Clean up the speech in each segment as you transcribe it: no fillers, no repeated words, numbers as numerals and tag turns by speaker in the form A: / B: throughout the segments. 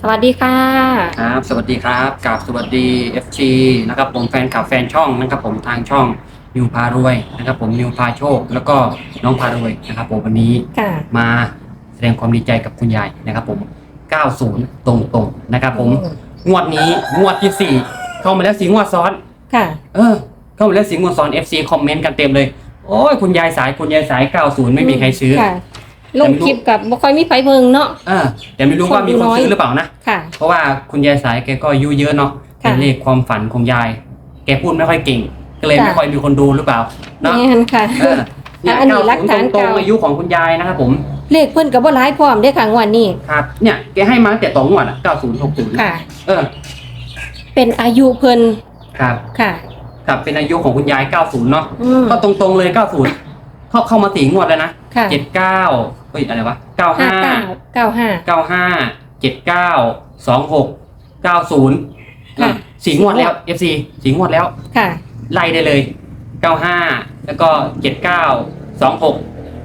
A: วัสดีค่ะ
B: ครับสวัสดีครับกับสวัสดี FG นะครับผมแฟนคลับแฟนช่องนะครับผมทางช่องนิวพารวยนะครับผมนิวพาโชคแล้วก็น้องพารวยนะครับผมวันนี้
A: ค่ะ
B: มาแสดงความดีใจกับคุณยายนะครับผม90ตรงๆนะครับผมงวดนี้งวดที่4เข้ามาแล้ว4งวดซ้อน
A: ค่ะ
B: เข้ามาแล้ว4งวดซ้อน FC คอมเมนต์กันเต็มเลยโอ้ยคุณยายสาย90ไม่มีใครซื้อ
A: ค่ะลงคลิปกับบ่ค่อยมีไผเบิ่งเนาะ
B: แต่ไม่รู้ว่ามีคนซื้อหรือเปล่านะ
A: ค่ะ
B: เพราะว่าคุณยายสายแกก็อายุเยอะเนาะเป็นเลขความฝันของยายแกพูดไม่ค่อยเก่งก็เลยไม่ค่อยมีคนดูหรือเปล่าเนาะ
A: นี่นค่ะ
B: เนี่ย
A: อันนี้หลักฐาน
B: ตรง
A: เก่า
B: อายุของคุณยายนะครับผม
A: เลขเพิ่นก็บ่หลายพร้อมเด้อค่ะงวดนี้
B: ครับเนี่ยแกให้มาแต่2งวดอ่ะ9060
A: ค่ะ
B: เป็น
A: อายุเพิ่น
B: ครับ
A: ค่ะ
B: ครับเป็นอายุของคุณยาย90เนาะก็ตรงๆเลย90เข้ามา4งวดแล้วนะ79เฮ้ยอะไรวะ95 79 26 90 4งวดแล้ว FC 4งวดแล้ว
A: ค่ะ
B: ไล่ได้เลย95แล้วก็79 26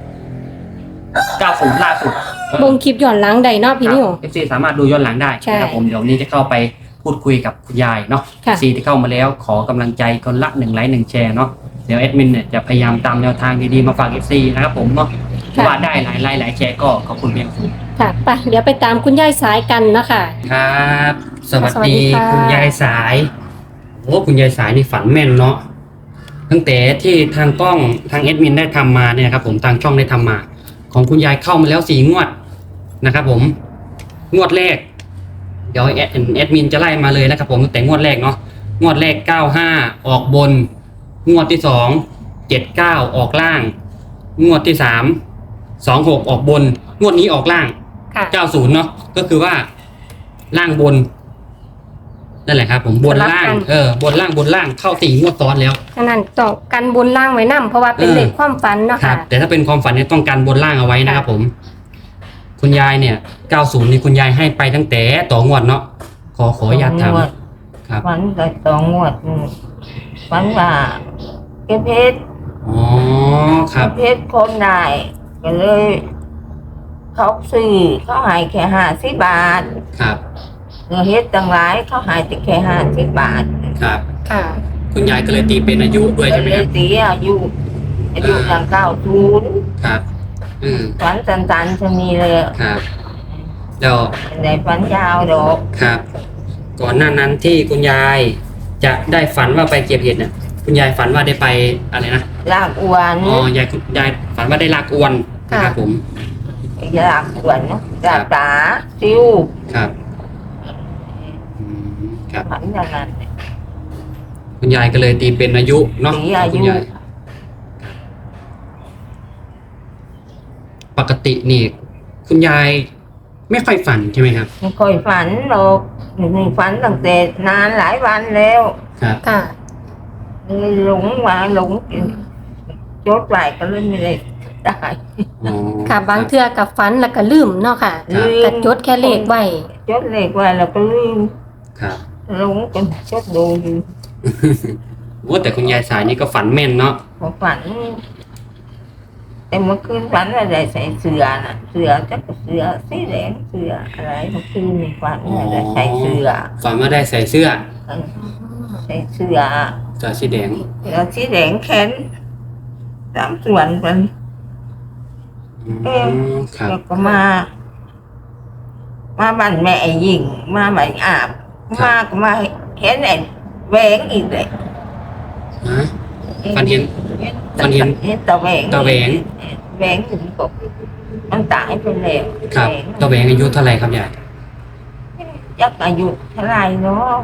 B: 90ล่าสุด
A: ลงคลิปย้อนหลังได้เนาะพี่นิว
B: FC สามารถดูย้อนหลังได้นะครับผมเดี๋ยวนี้จะเข้าไปพูดคุยกับคุณยายเนาะ FC ที่เข้ามาแล้วขอกำลังใจคนละ1ไลค์1แชร์เนาะเดี๋ยวแอดมินเนี่ยจะพยายามตามแนวทางดีๆมาฝาก FC นะครับผมเนาะว่าได้หลายไลค์หลายแชร์ก็ขอบคุณเพียงสูง
A: ค่ะไปเดี๋ยวไปตามคุณยายสายกันเนาะค่ะ
B: ครับสวัสดีคุณยายสายโอ้คุณยายสายนี่ฝันแม่นเนาะตั้งแต่ที่ทางกล้องทางแอดมินได้ทำมาเนี่ยครับผมทางช่องได้ทำมาของคุณยายเข้ามาแล้ว4งวดนะครับผมงวดแรกเดี๋ยวแอดมินจะไล่มาเลยนะครับผมตั้งแต่งวดแรกเนาะงวดแรก95ออกบนงวดที่2 79ออกล่างงวดที่3 26ออกบนงวดนี้ออกล่าง90เนาะก็คือว่าล่างบนนั่นแหละครับผมบนล่างบนล่างเข้า4งวดซ้อนแล้ว
A: ฉะนั้นต้องกันบนล่างไว้นำเพราะว่าเป็นเลขความฝันเนาะค่ะ
B: แต่ถ้าเป็นความฝันเนี่ยต้องกันบนล่างเอาไว้นะครับผมคุณยายเนี่ย90นี่คุณยายให้ไปตั้งแต่ต่องวดเนาะขออนุญาตถาม
C: ครับฝันแต่2 งวดฝันว่าเก็บเพชร
B: ครับ
C: เพชรคนได้ก็เลยเขาซื้อเขาให้แค่50 บาท
B: ครับ
C: เงินเฮ็ดตั้งหลายเขาให้แต่แค่50 บาท
B: ครับ
A: ค่ะ
B: คุณยายก็เลยตีเป็นอายุด้วยใช่ไหมครับ
C: ตีอายุอย่าง90
B: ครับ
C: ฝันสั้นๆจะมีเลย
B: ครับแล้ว
C: ในฝันยาวดอก
B: ครับก่อนหน้านั้นที่คุณยายจะได้ฝันว่าไปเก็บเห็ดเนี่ยคุณยายฝันว่าได้ไปอะไรนะ
C: ลากอวน
B: ยายฝันว่าได้ลากอวนนะครับผม
C: ลากอวนลากปลาซิว
B: ครับ
C: ฝันอย่างนั้น
B: คุณยายก็เลยตีเป็นอายุเนาะคุณยายปกตินี่คุณยายไม่ค่อยฝันใช่ไหมครับ
C: ไม่ค่อยฝันหรอกนี่ฝันตั้งแต่นานหลายวันแล้ว
B: ครับ
A: ค่ะ
C: หลงจดไว้ก็เลยไม่ได้
A: ค่ะบางเทื่อกับฝันแล้วก็ลืมเนาะค่ะก็จดแค่เลขไว้
C: จดเลขไว้แล้วก็ลืม
B: ครับ
C: หลงจนจดดูอยู่
B: ว่าแต่คุณยายสายนี่ก็ฝันแม่นเนาะ
C: ฝันแต่เมื่อคืนฝันว่าได้ใส่เสื้อน่ะเสื้อจักเสื้อสีแดงเสื้ออะไรเมื่อคืนนี่ฝันว่าได้ใส่เสื้อ
B: ฝันว่าได้ใส่เสื้อ
C: ใส่เสื้อ
B: สีแดง
C: แล้วสีแดงแขน3 ส่วนเป็น
B: แล้ว
C: ก็มาบ้านแม่หญิงมาบ้านอาบมาก็มาเห็นไอ้แหวงอีกเลย
B: ฝันเห็น
C: ตะแหวงถึงกบมันตายไปแล้ว
B: ครับตะแหวงอายุเท่าไรครับยาย
C: ยักอายุเท่าไรเนาะ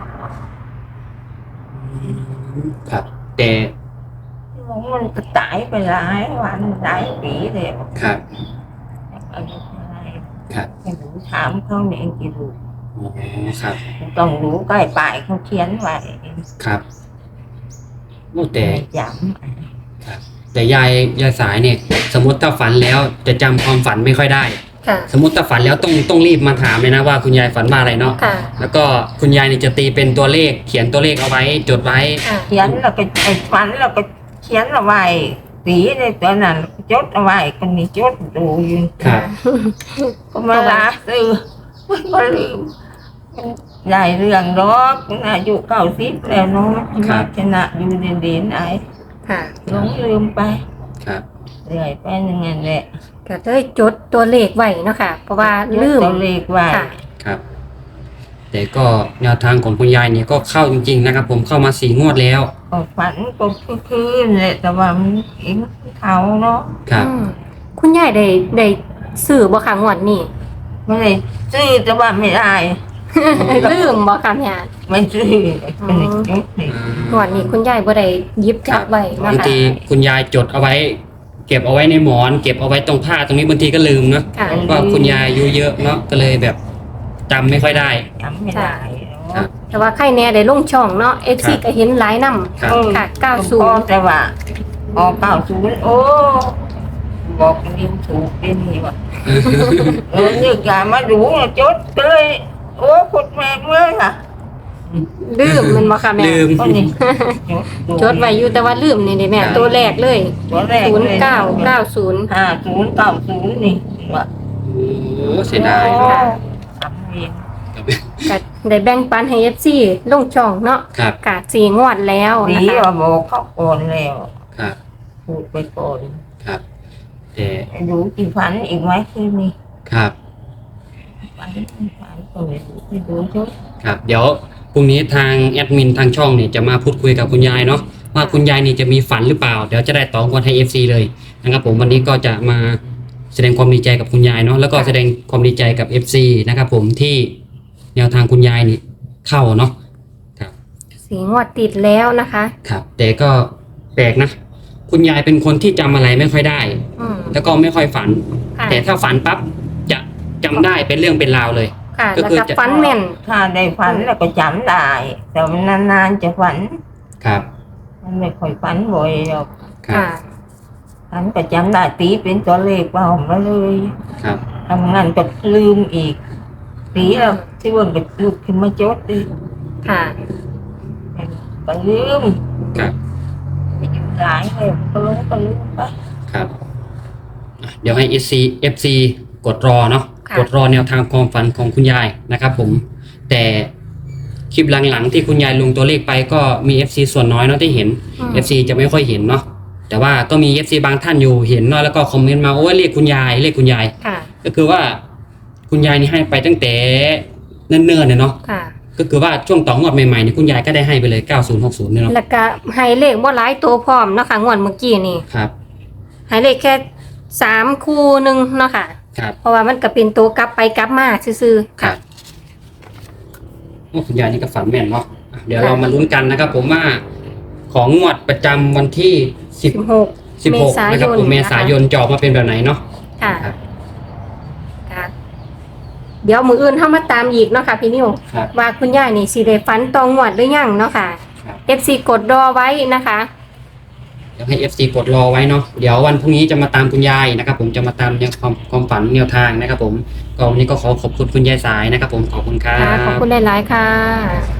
B: ครับแต่
C: มันก็ตายไปหลายวันหลายปีแล้ว
B: ครับ
C: อายุเท่าไร
B: ครับ
C: ไม่รู้ถามเขาเนี่ยกี่รู้
B: ครับ
C: ต้องรู้ใกล้ปลายเขาเขียนไว้
B: ครับแต่
C: จ
B: ำครับแต่ยายสายเนี่ยสมมติถ้าฝันแล้วจะจำความฝันไม่ค่อยได้สมมติถ้าฝันแล้วต้องรีบมาถามเลยนะว่าคุณยายฝันว่าอะไรเนาะแล้วก็คุณยายเนี่ยจะตีเป็นตัวเลขเขียนตัวเลขเอาไว้จดไว้
C: เขียนแล้วก็ฝันแล้วก็เขียนเอาไว้ตีในตัวนั้นจดเอาไว้คนนี้จดดูอยู่
B: ครับ
C: ก็มาลาซื้อก็ลืมหลายเรื่องดอกอายุ90แล้วเนาะชนะอยู่เด่นๆไอ้
A: ค่ะ
C: หลงลืมไป
B: ครับ
C: เรื่อยไปอย่างนั้นแหละ
A: ก็เลยจดตัวเลขไว้เนาะค่ะ เพราะว่าลืม
C: ตัวเลขไว้
A: ค่ะ
B: ครับ แต่ก็แนวทางของคุณยายนี่ก็เข้าจริงๆนะครับ ผมเข้ามา4 งวดแล้ว
C: ก็ฝันก็คืนแหละแต่ว่ามันเองเขาเนาะ
B: ครับ
A: อืมคุณยายได้ซื้อบ่ค่ะงวดนี้
C: ไม่ได้ซื้อแต่ว่าไม่ได้
A: ลืมบ่ค่ะเนี่ย
C: ไม่ซื้อเป็นเด็กเด็ก
A: งวดนี้คุณยายบ่ได้หยิบจับไว้เนาะ
B: บาง
A: ค่ะ
B: ทีคุณยายจดเอาไว้ เก็บเอาไว้ในหมอน เก็บเอาไว้ตรงผ้าตรงนี้บางทีก็ลืมเนาะ
A: ค่ะ
B: ว่าคุณยายอายุเยอะเนาะก็เลยแบบจำไม่ค่อยได้
C: จำไม่ได้
B: ครั
C: เนาะ
B: บ
A: แต่ว่าใครแน่ได้ลงช่องเนาะ FC
B: ครับ
A: ก็เห็นหลายนำ
B: ครับ
A: ค่ะ 90
C: แต่ว่า90โอ้บอกนิ้วถูกเป็นนี่ว่ะนึกอยากมาดูจดก็เลยโอ้ขุดแมงเลยค่ะ
A: ลืมมันบ่ค่ะแม่
B: ลืม
C: ก็นี่
A: จดไว้อยู่แต่ว่าลืมนี่เด้แม่
B: ครับ
A: ตัวแรกเลย
C: ตัวแรกเลย
A: 0990
C: 5090นี่ว่ะ
B: โอ้เสียดาย
A: ค่ะ
C: ทำเอง
A: ก็ได้แบ่งปันให้ FC ลงช่องเนาะ
B: ครับ
A: กะ4 งวดแล้ว
C: ดี
A: นะคะ
C: ว่าบอกเขาก่อนแล้ว
B: ครับ
C: พูดไปก่อน
B: ครับแต่
C: ดูกี่ฝันอีกไหมคืนนี้
B: ครับ
C: ฝันก็ไม่รู้ไม่ดูจด
B: ครับ เดี๋ยวพรุ่งนี้ทางแอดมินทางช่องเนี่ยจะมาพูดคุยกับคุณยายเนาะว่าคุณยายนี่จะมีฝันหรือเปล่า เดี๋ยวจะได้ตอบกันให้ FC เลยนะครับผมวันนี้ก็จะมาแสดงความดีใจกับคุณยายเนาะแล้วก็แสดงความดีใจกับ FC นะครับผมที่แนวทางคุณยายนี่เข้าเนาะครับ
A: 4 งวดติดแล้วนะคะ
B: ครับแต่ก็แปลกนะ คุณยายเป็นคนที่จำอะไรไม่ค่อยได้
A: อืม
B: แล้วก็ไม่ค่อยฝัน
A: ค่ะ
B: แต่ถ้าฝันปั๊บจะจำได้เป็นเรื่องเป็นราวเลย
A: ค่ะ
B: ก็
A: แล้ว
B: คือ
A: ก็
B: จะ
A: ฟันแม่น
C: ถ้าได้ฝันแล้วก็จำได้ แต่มันนานๆจะฝัน
B: ครับ
C: มันไม่ค่อยฝันบ่อยหรอก
B: ครับ
A: ค่ะ
C: ฝันก็จำได้ตีเป็นตัวเลขเปล่ามาเลย
B: ครับ
C: ทำงานก็ลืมอีกตีแล้วที่วันก็ลุกขึ้นมาจดดิ
A: ค่ะ
C: ก็ลืม
B: ครับ
C: หลายเลยก็ลืมไป
B: ครับอ่ะเดี๋ยวให้ FC กดรอเนาะ
A: ค่ะ
B: กดรอแนวทางความฝันของคุณยายนะครับผมแต่คลิปหลังๆที่คุณยายลงตัวเลขไปก็มี FC ส่วนน้อยเนาะที่เห็น
A: อืม
B: FC จะไม่ค่อยเห็นเนาะแต่ว่าก็มี FC บางท่านอยู่เห็นเนาะแล้วก็คอมเมนต์มาโอ้ยเรียกคุณยายเรียกคุณยาย
A: ค่ะ
B: ก็คือว่าคุณยายนี่ให้ไปตั้งแต่เนิ่นๆเนี่ยเนาะ
A: ค่ะ
B: ก็คือว่าช่วงต่องวดใหม่ๆนี่คุณยายก็ได้ให้ไปเลย9060เนี่ยเนาะ
A: แล้วก็ให้เลขบ่หลายตัวพร้อมเนาะค่ะงวดเมื่อกี้นี่
B: ครับ
A: ให้เลขแค่3คู่หนึงเนาะค่ะ
B: ครับ
A: เพราะว่ามันก็เป็นตัวกลับไปกลับมาซื่อๆ
B: ครับโอ้คุณยายนี่ก็ฝันแม่นเนาะอ่ะเดี๋ยวเรามาลุ้นกันนะครับ ผมว่าของงวดประจำวันที่16นะครับผมเมษายนจะออกมาเป็นแบบไหนเนาะ
A: ค่ะ
B: ครับ
A: ค่ะ เดี๋ยวมืออื่นเฮามาตามอีกเนาะค่ะพี่นิว
B: ครับ
A: ว่าคุณยายนี่สิได้ฝันตองวดหรือยังเนาะค่ะ
B: ครับ
A: FC กดรอไว้นะคะ
B: เดี๋ยวให้ FC กดรอไว้เนาะเดี๋ยววันพรุ่งนี้จะมาตามคุณยายนะครับ ผมจะมาตามแนวความฝันแนวทางนะครับ ผมก็วันนี้ก็ขอขอบคุณคุณยายสายนะครับ ผมขอบคุณครั
A: ค่ะ ขอบบ คุณหลายๆค่ะ